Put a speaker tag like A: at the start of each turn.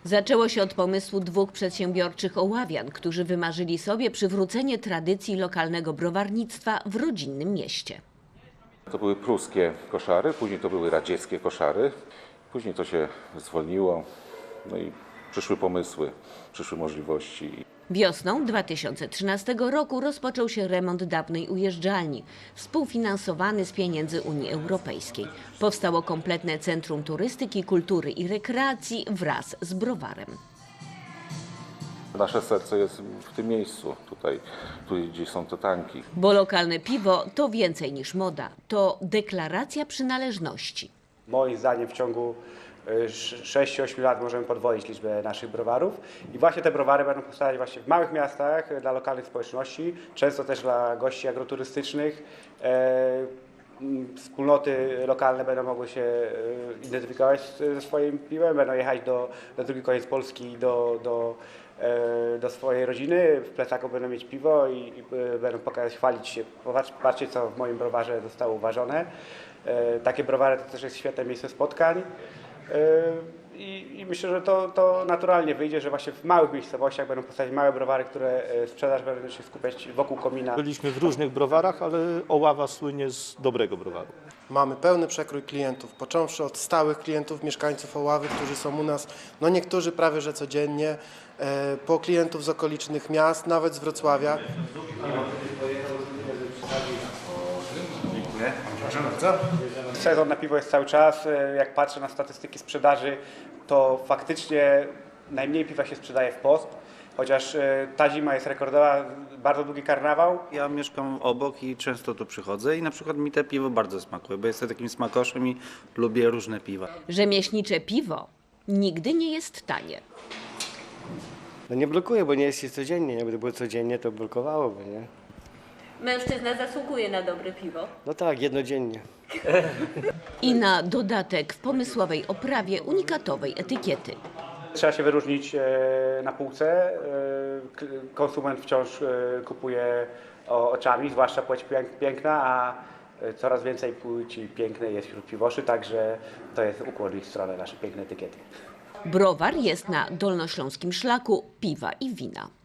A: Zaczęło się od pomysłu dwóch przedsiębiorczych oławian, którzy wymarzyli sobie przywrócenie tradycji lokalnego browarnictwa w rodzinnym mieście.
B: To były pruskie koszary, później to były radzieckie koszary, później to się zwolniło, no i przyszły pomysły, przyszły możliwości.
A: Wiosną 2013 roku rozpoczął się remont dawnej ujeżdżalni, współfinansowany z pieniędzy Unii Europejskiej. Powstało kompletne Centrum Turystyki, Kultury i Rekreacji wraz z browarem.
B: Nasze serce jest w tym miejscu, tutaj gdzie są te tanki.
A: Bo lokalne piwo to więcej niż moda, to deklaracja przynależności.
C: Moim zdaniem w ciągu 6-8 lat możemy podwoić liczbę naszych browarów i właśnie te browary będą powstawać właśnie w małych miastach dla lokalnych społeczności, często też dla gości agroturystycznych. Wspólnoty lokalne będą mogły się identyfikować ze swoim piwem, będą jechać na drugi koniec Polski do swojej rodziny, w plecaku będą mieć piwo i będą pokazać, chwalić się. Patrzcie, co w moim browarze zostało uważone. Takie browary to też jest świetne miejsce spotkań. I myślę, że to naturalnie wyjdzie, że właśnie w małych miejscowościach będą powstawać małe browary, które sprzedaż będą się skupiać wokół komina.
D: Byliśmy w różnych browarach, ale Oława słynie z dobrego browaru.
E: Mamy pełny przekrój klientów, począwszy od stałych klientów, mieszkańców Oławy, którzy są u nas, no niektórzy prawie że codziennie, po klientów z okolicznych miast, nawet z Wrocławia.
C: Dziękuję. Proszę bardzo. Sezon na piwo jest cały czas. Jak patrzę na statystyki sprzedaży, to faktycznie najmniej piwa się sprzedaje w post. Chociaż ta zima jest rekordowa, bardzo długi karnawał.
F: Ja mieszkam obok i często tu przychodzę i na przykład mi te piwo bardzo smakuje, bo jestem takim smakoszem i lubię różne piwa.
A: Rzemieślnicze piwo nigdy nie jest tanie.
G: No nie blokuje, bo nie jest się codziennie. Jakby było codziennie, to blokowałoby, nie?
A: Mężczyzna zasługuje na dobre piwo.
G: No tak, jednodziennie.
A: I na dodatek w pomysłowej oprawie unikatowej etykiety.
C: Trzeba się wyróżnić na półce. Konsument wciąż kupuje oczami, zwłaszcza płeć piękna, a coraz więcej płci pięknej jest wśród piwoszy, także to jest ukłon w ich stronę, nasze piękne etykiety.
A: Browar jest na dolnośląskim szlaku piwa i wina.